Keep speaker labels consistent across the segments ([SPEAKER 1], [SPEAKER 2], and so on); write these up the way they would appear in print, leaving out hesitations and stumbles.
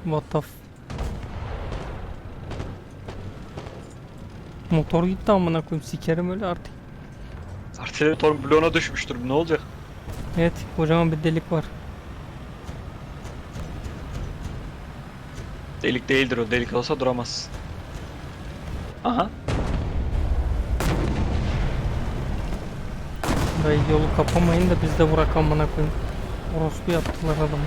[SPEAKER 1] What the Motor gitti amına koyayım, sikerim öyle artık.
[SPEAKER 2] Artillery motor bloğuna düşmüştür. Ne olacak?
[SPEAKER 1] Evet, kocaman bir delik var.
[SPEAKER 2] Delik değildir o. Delik olsa duramaz. Aha.
[SPEAKER 1] Dayı yolu kapamayın da biz de bırak amına koyayım. Orospu yaptılar adamı.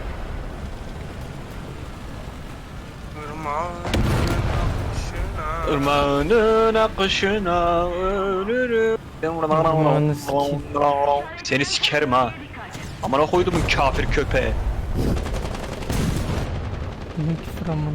[SPEAKER 2] Irmağının akışına ölürüm.
[SPEAKER 1] Irmağını sikeyim.
[SPEAKER 2] Seni sikerim ha. Amına koydum kafir köpeğe.
[SPEAKER 1] Ne küfür amına.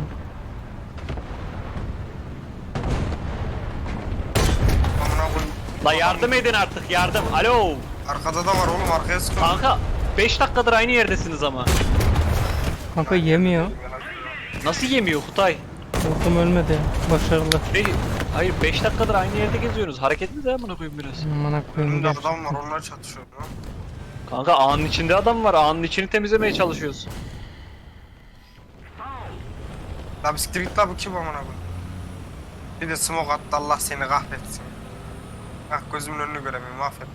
[SPEAKER 3] Amına koyayım.
[SPEAKER 2] La yardım edin artık, yardım. Alo.
[SPEAKER 3] Arkada da var oğlum, arkaya sıkın.
[SPEAKER 2] Kanka 5 dakikadır aynı yerdesiniz ama.
[SPEAKER 1] Kanka yemiyor.
[SPEAKER 2] Nasıl yemiyor Kutay?
[SPEAKER 1] Vurdum ölmedi. Başarılı.
[SPEAKER 2] Hayır 5 dakikadır aynı yerde geziyorsunuz. Hareketli de amına koyayım biraz.
[SPEAKER 1] Amına koyayım.
[SPEAKER 3] Önümde
[SPEAKER 1] Gerçekten.
[SPEAKER 3] adam var, onlar çatışıyor lan.
[SPEAKER 2] Kanka ağanın içinde adam var. Ağanın içini temizlemeye çalışıyoruz.
[SPEAKER 3] La bisiklet git la, bu kim amına koyayım? Bir de smoke attı, Allah seni kahretsin. Ah, gözümün önünü göremiyorum, affet.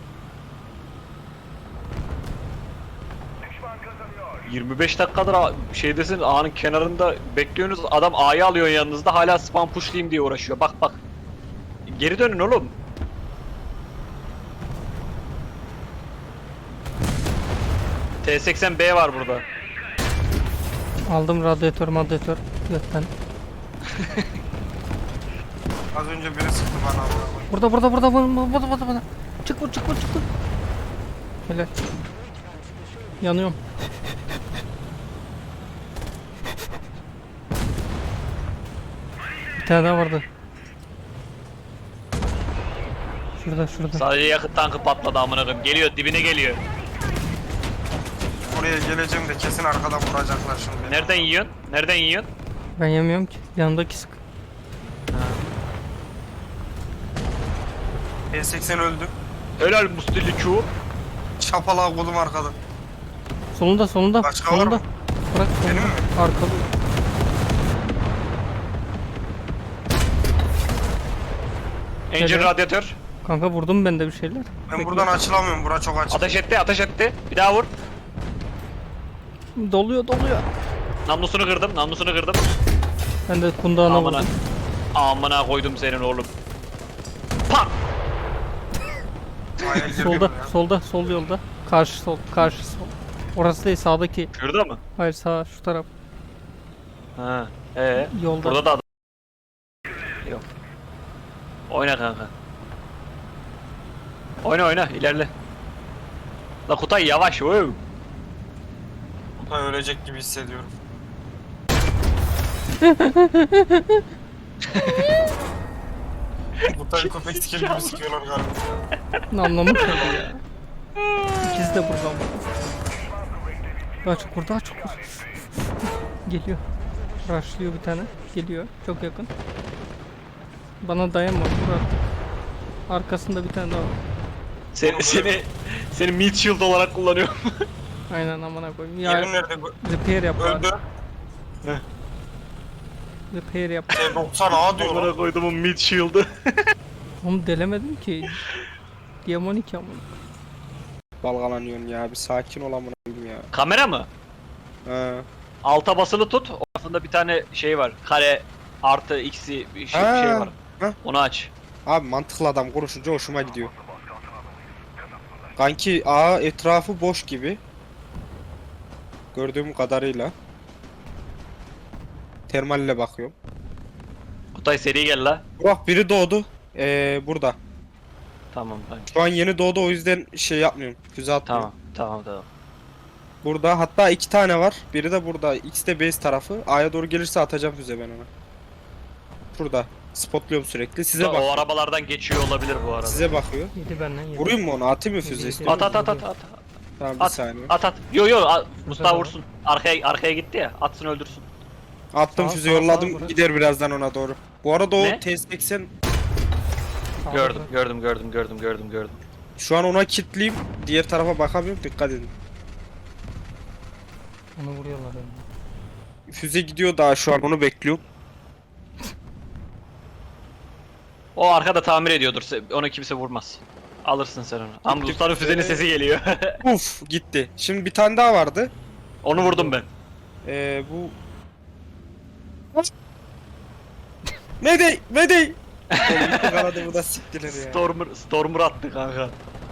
[SPEAKER 2] 25 dakikadır şeydesin, ağanın kenarında bekliyorsunuz. Adam A'yı alıyor yanınızda, hala spam pushlayayım diye uğraşıyor. Bak bak. Geri dönün oğlum. T80B var burada.
[SPEAKER 1] Aldım radyatör götten.
[SPEAKER 3] Az önce biri sıktı bana amına koyayım.
[SPEAKER 1] Burada. Çık vur. Helal. Yanıyorum. Bir tane daha vardı. Şurada.
[SPEAKER 2] Sadece yakıt tankı patladı amına koyayım. Geliyor, dibine geliyor.
[SPEAKER 3] Oraya geleceğim de kesin arkadan vuracaklar şimdi.
[SPEAKER 2] Nereden yiyorsun? Nereden yiyorsun?
[SPEAKER 1] Ben yemiyorum ki. Yanındaki sık.
[SPEAKER 3] E80 öldü.
[SPEAKER 2] Helal mustilli çuğu.
[SPEAKER 3] Çapalağı kolum arkada.
[SPEAKER 1] Solunda.
[SPEAKER 3] Başka var mı?
[SPEAKER 1] Bırak
[SPEAKER 3] Benim
[SPEAKER 1] solunda.
[SPEAKER 3] mi?
[SPEAKER 1] Arkalı.
[SPEAKER 2] Engine
[SPEAKER 1] Helal.
[SPEAKER 2] radyatör.
[SPEAKER 1] Kanka vurdum ben de bir şeyler.
[SPEAKER 3] Ben
[SPEAKER 1] Bekle.
[SPEAKER 3] buradan açılamıyorum, bura çok açık.
[SPEAKER 2] Ateş etti. Bir daha vur.
[SPEAKER 1] Doluyor.
[SPEAKER 2] Namlusunu kırdım.
[SPEAKER 1] Ben de kundağına
[SPEAKER 2] Amına.
[SPEAKER 1] vurdum.
[SPEAKER 2] Amına koydum senin oğlum. Pak!
[SPEAKER 3] Aya girdim ya.
[SPEAKER 1] Sol yolda. Karşı sol. Orası değil, sağdaki.
[SPEAKER 2] Şurada mı?
[SPEAKER 1] Hayır, sağ, şu taraf.
[SPEAKER 2] Ha.
[SPEAKER 1] Yolda.
[SPEAKER 2] Burada da adam. Yok. Oyna kanka. Oyna ilerle. La Kutay yavaş. Wow.
[SPEAKER 3] Kutay ölecek gibi hissediyorum. Kutay köpek siker gibi sikiyorlar galiba.
[SPEAKER 1] Anlamış oldu ya. İkisi de burada. Daha çok vur. Geliyor. Rushlıyor bir tane. Geliyor. Çok yakın. Bana dayanma. Vur artık. Arkasında bir tane daha var.
[SPEAKER 2] Seni meat shield olarak kullanıyorum.
[SPEAKER 1] Aynen, amına koyayım. Ya
[SPEAKER 3] Yerin nerede?
[SPEAKER 1] repair yap.
[SPEAKER 3] Öldü.
[SPEAKER 1] Repair yap.
[SPEAKER 3] T90A diyor
[SPEAKER 2] Amına
[SPEAKER 3] lan.
[SPEAKER 2] koyduğumun meat shield'ı.
[SPEAKER 1] Onu delemedim ki. Diamonik amına.
[SPEAKER 4] Dalgalanıyorsun ya, bir sakin ol amına koyayım ya.
[SPEAKER 2] Kamera mı?
[SPEAKER 4] He.
[SPEAKER 2] Alta basılı tut. Ortasında bir tane şey var. Kare artı x'i bir şey
[SPEAKER 4] Ha.
[SPEAKER 2] var.
[SPEAKER 4] Ha.
[SPEAKER 2] Onu aç.
[SPEAKER 4] Abi mantıklı adam konuşunca hoşuma gidiyor. Kanki A etrafı boş gibi. Gördüğüm kadarıyla. Termalle bakıyorum.
[SPEAKER 2] Kutay seri gel la.
[SPEAKER 4] Burak biri doğdu. Burada.
[SPEAKER 2] Tamam.
[SPEAKER 4] Şu an yeni doğdu, o yüzden şey yapmıyorum. Füze atmıyorum.
[SPEAKER 2] Tamam.
[SPEAKER 4] Burada hatta 2 tane var. Biri de burada. İkisi de base tarafı. A'ya doğru gelirse atacağım füze ben ona. Şurada. Spotluyorum sürekli. Size
[SPEAKER 2] O
[SPEAKER 4] bak.
[SPEAKER 2] arabalardan geçiyor olabilir bu arada.
[SPEAKER 4] Size bakıyor.
[SPEAKER 1] Yedi benden yedi.
[SPEAKER 4] Vurayım mı onu? Atayım mı füze
[SPEAKER 1] Yedi.
[SPEAKER 4] istiyor?
[SPEAKER 2] At.
[SPEAKER 4] Tamam bir
[SPEAKER 2] At.
[SPEAKER 4] saniye.
[SPEAKER 2] At. Yo Mustafa
[SPEAKER 1] Tamam.
[SPEAKER 2] vursun. Arkaya gitti ya. Atsın öldürsün.
[SPEAKER 4] Attım
[SPEAKER 1] Sağ,
[SPEAKER 4] füze
[SPEAKER 1] sağ,
[SPEAKER 4] yolladım.
[SPEAKER 1] sağ,
[SPEAKER 4] Gider birazdan ona doğru. Bu arada o
[SPEAKER 2] Ne?
[SPEAKER 4] T80
[SPEAKER 2] Gördüm.
[SPEAKER 4] şu an ona kilitleyeyim. Diğer tarafa bakamıyorum. Dikkat edin.
[SPEAKER 1] Onu vuruyorlar yani.
[SPEAKER 4] füze gidiyor daha şu an onu bekliyorum.
[SPEAKER 2] O arkada tamir ediyordur. Onu kimse vurmaz. Alırsın sen onu. Ama Rusların füzenin sesi geliyor.
[SPEAKER 4] Uf gitti. Şimdi bir tane daha vardı.
[SPEAKER 2] Onu vurdum ben.
[SPEAKER 4] Bu... Mayday! Mayday! Oğlum gitti kanadı bu da siktiler ya.
[SPEAKER 2] Stormer attı kanka.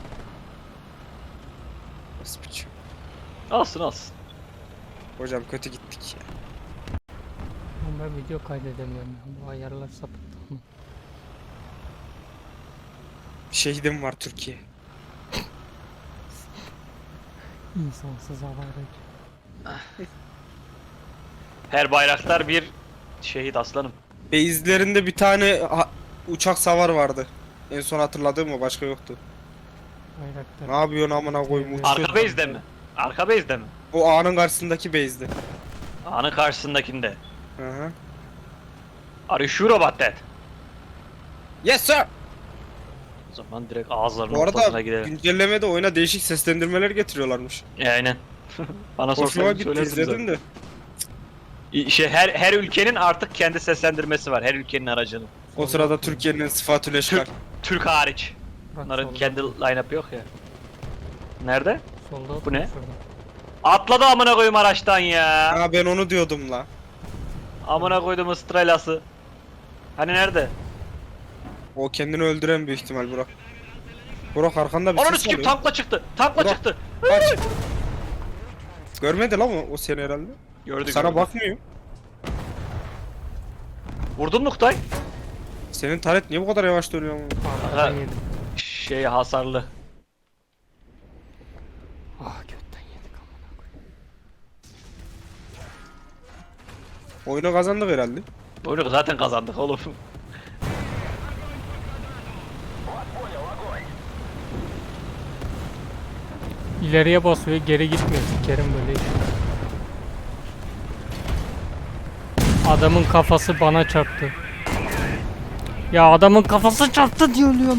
[SPEAKER 4] Nasıl biçim?
[SPEAKER 2] Alsın alsın.
[SPEAKER 4] Hocam kötü gittik ya.
[SPEAKER 1] Ama ben video kaydedemiyorum ya. Bu ayarlar sapıttı ama.
[SPEAKER 4] Şehidim var Türkiye.
[SPEAKER 1] İnsansız havayla.
[SPEAKER 2] Her bayraktar bir şehit aslanım.
[SPEAKER 4] Base'lerinde bir tane uçak savar vardı. En son hatırladığım o, başka yoktu.
[SPEAKER 1] Bayraktar.
[SPEAKER 4] Ne yapıyorsun amına koyayım, uçuyor.
[SPEAKER 2] Arka base'de mi? Arka base'de mi?
[SPEAKER 4] O ağanın karşısındaki base'di.
[SPEAKER 2] Ağanın karşısındakinde.
[SPEAKER 4] Hı hı.
[SPEAKER 2] Are you sure about that?
[SPEAKER 4] Yes sir!
[SPEAKER 2] O zaman direkt ağızlarının
[SPEAKER 4] Bu arada
[SPEAKER 2] ortasına gidelim.
[SPEAKER 4] güncellemede oyuna değişik seslendirmeler getiriyorlarmış.
[SPEAKER 2] Aynen. Bana
[SPEAKER 4] Hoşuma
[SPEAKER 2] sorsan
[SPEAKER 4] gitti,
[SPEAKER 2] söylerdim
[SPEAKER 4] izledim de.
[SPEAKER 2] her ülkenin artık kendi seslendirmesi var. Her ülkenin aracının.
[SPEAKER 4] O sırada Türkiye'nin sıfatül eşkal.
[SPEAKER 2] Türk hariç.
[SPEAKER 1] Bak,
[SPEAKER 2] Bunların
[SPEAKER 1] solda.
[SPEAKER 2] kendi line-up yok ya. Nerede?
[SPEAKER 1] Solda
[SPEAKER 2] Bu ne?
[SPEAKER 1] şurada.
[SPEAKER 2] Atladı amına koyayım araçtan ya.
[SPEAKER 4] Ha ben onu diyordum la.
[SPEAKER 2] Amına koydum ıstrelası. Hani nerede?
[SPEAKER 4] O kendini öldüren büyük ihtimal Burak. Burak arkanda bir
[SPEAKER 2] Onun
[SPEAKER 4] ses
[SPEAKER 2] kim
[SPEAKER 4] oluyor.
[SPEAKER 2] tankla çıktı. Tankla
[SPEAKER 4] Bırak.
[SPEAKER 2] çıktı.
[SPEAKER 4] Kaç. Görmedi lan o seni herhalde.
[SPEAKER 2] Gördük.
[SPEAKER 4] Sana bakmıyor.
[SPEAKER 2] Vurdun mu Kutay?
[SPEAKER 4] Senin taret niye bu kadar yavaş dönüyor ama?
[SPEAKER 1] Arkadan
[SPEAKER 2] Ha.
[SPEAKER 1] yedim.
[SPEAKER 2] Şey hasarlı.
[SPEAKER 1] Ah götten yedik amına koyayım.
[SPEAKER 4] Oyunu kazandık herhalde.
[SPEAKER 2] Oyunu zaten kazandık oğlum.
[SPEAKER 1] İleriye basıyor, geri gitmiyor. Sikerim böyle iş. Adamın kafası bana çarptı. Ya adamın kafası çarptı diyor ölüyorum.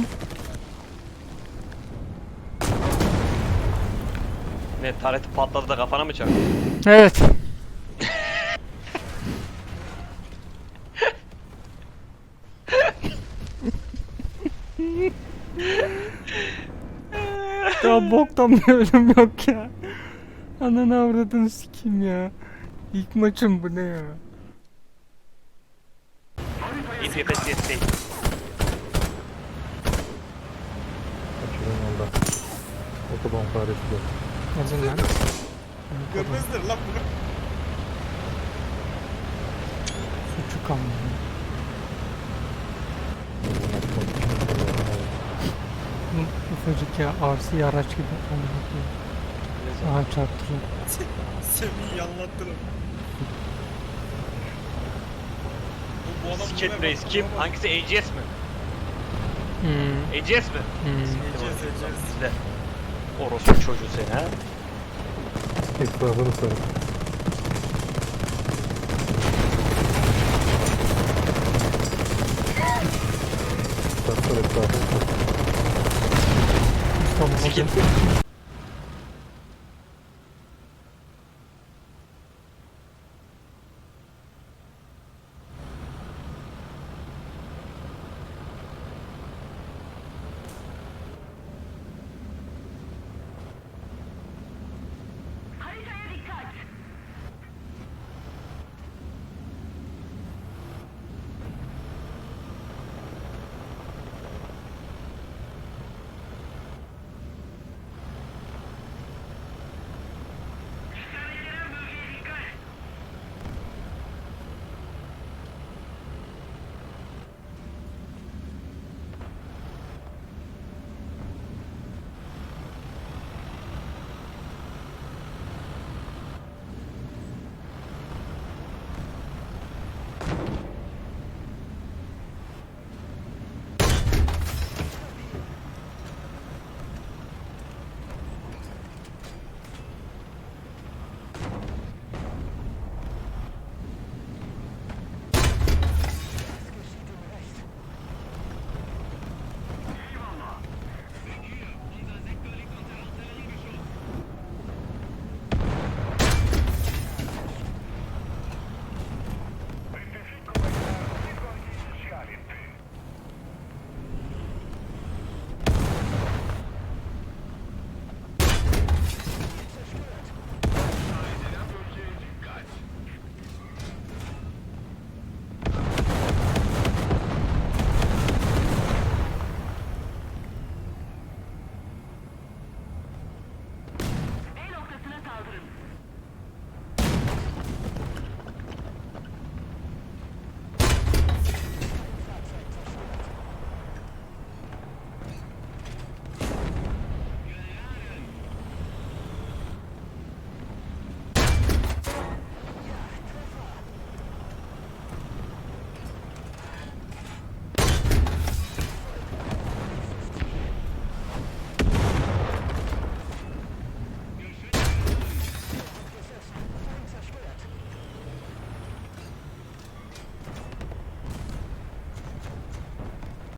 [SPEAKER 2] Ne tareti patladı da kafana mı çarptı?
[SPEAKER 1] Evet. Ya boktan bir ölüm yok ya. Ananı avradını sikeyim ya. İlk maçım bu ne ya?
[SPEAKER 2] İntifes yetti.
[SPEAKER 5] Kaçırın yolda. Otoban faresi yok.
[SPEAKER 1] Yazın lan.
[SPEAKER 4] Görmezler lan bunu.
[SPEAKER 1] Suçu kalmadı. Bu ufacık ya RC araç gibi. Amına koyayım. Aha çarptırıyor.
[SPEAKER 4] Semih'i yanlattılar.
[SPEAKER 2] Sket Reis kim? Hangisi AGS mi?
[SPEAKER 1] Hmm.
[SPEAKER 2] AGS mi?
[SPEAKER 1] Hmm.
[SPEAKER 2] Bizde. Orospu çocuğu seni ha.
[SPEAKER 5] Etrafını sarın. Sarsar etrafını.
[SPEAKER 1] Tamam.
[SPEAKER 2] Sikit.